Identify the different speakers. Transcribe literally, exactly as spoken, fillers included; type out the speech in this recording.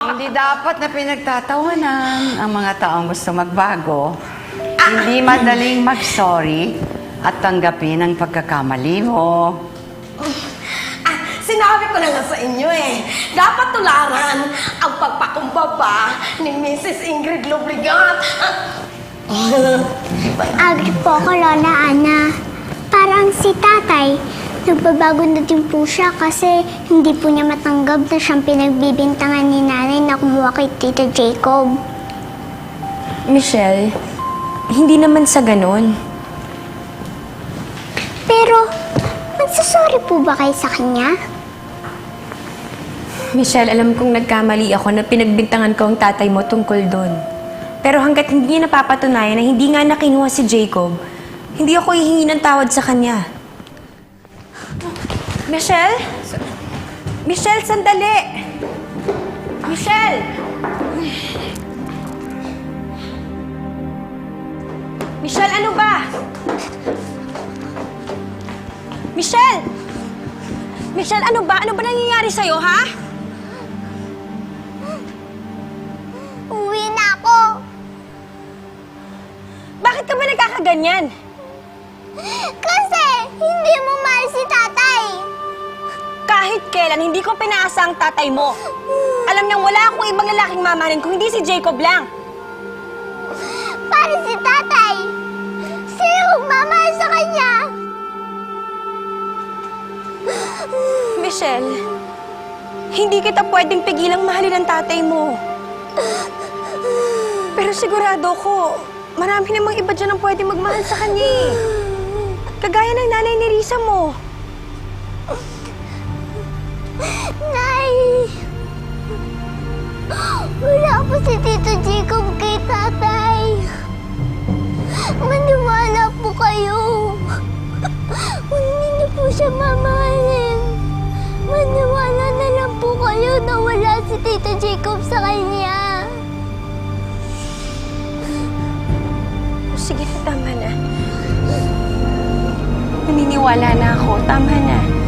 Speaker 1: Hindi dapat na pinagtatawanan ang mga taong gusto magbago. Hindi madaling mag-sorry at tanggapin ang pagkakamali mo.
Speaker 2: Ah, sinabi ko na nga sa inyo eh. Dapat tularan ang pagpakumbaba ni Missus Ingrid Lobregat.
Speaker 3: Agree po ako, Lola Ana. Parang si tatay, nagbabago na din po siya kasi hindi po niya matanggap na siyang pinagbibintangan ni nanay na kumuha kay Tito Jacob.
Speaker 4: Michelle, hindi naman sa ganon.
Speaker 3: Pero, magsasorry po ba kayo sa kanya?
Speaker 4: Michelle, alam kong nagkamali ako na pinagbintangan ko ang tatay mo tungkol doon. Pero hanggat hindi niya napapatunayan na hindi nga nakinuha si Jacob, hindi ako hihingi ng tawad sa kanya. Michelle? Michelle, sandali! Michelle! Michelle, ano ba? Michelle! Michelle, ano ba? Ano ba nangyayari sa'yo, ha?
Speaker 3: Uwi na ako!
Speaker 4: Bakit ka ba nagkakaganyan?
Speaker 3: Kasi hindi mo mahal si tatay!
Speaker 4: Kahit kailan, hindi ko pinaasa ang tatay mo. Alam niyang wala akong ibang lalaking mamahalin kung hindi si Jacob lang.
Speaker 3: Para si tatay! Sino magmamahal sa kanya?
Speaker 4: Michelle, hindi kita pwedeng pigilang mahalin ang tatay mo. Pero sigurado ko, marami namang iba dyan ang pwedeng magmahal sa kanya eh. Kagaya ng nanay ni Risa mo.
Speaker 3: Nay! Wala po si Tito Jacob kay tatay. Maniwala po kayo. Kung hindi niyo po siya mamahalin, maniwala na lang po kayo na wala si Tito Jacob sa kanya.
Speaker 4: Sige na, tama na. Naniniwala na ako. Tama na.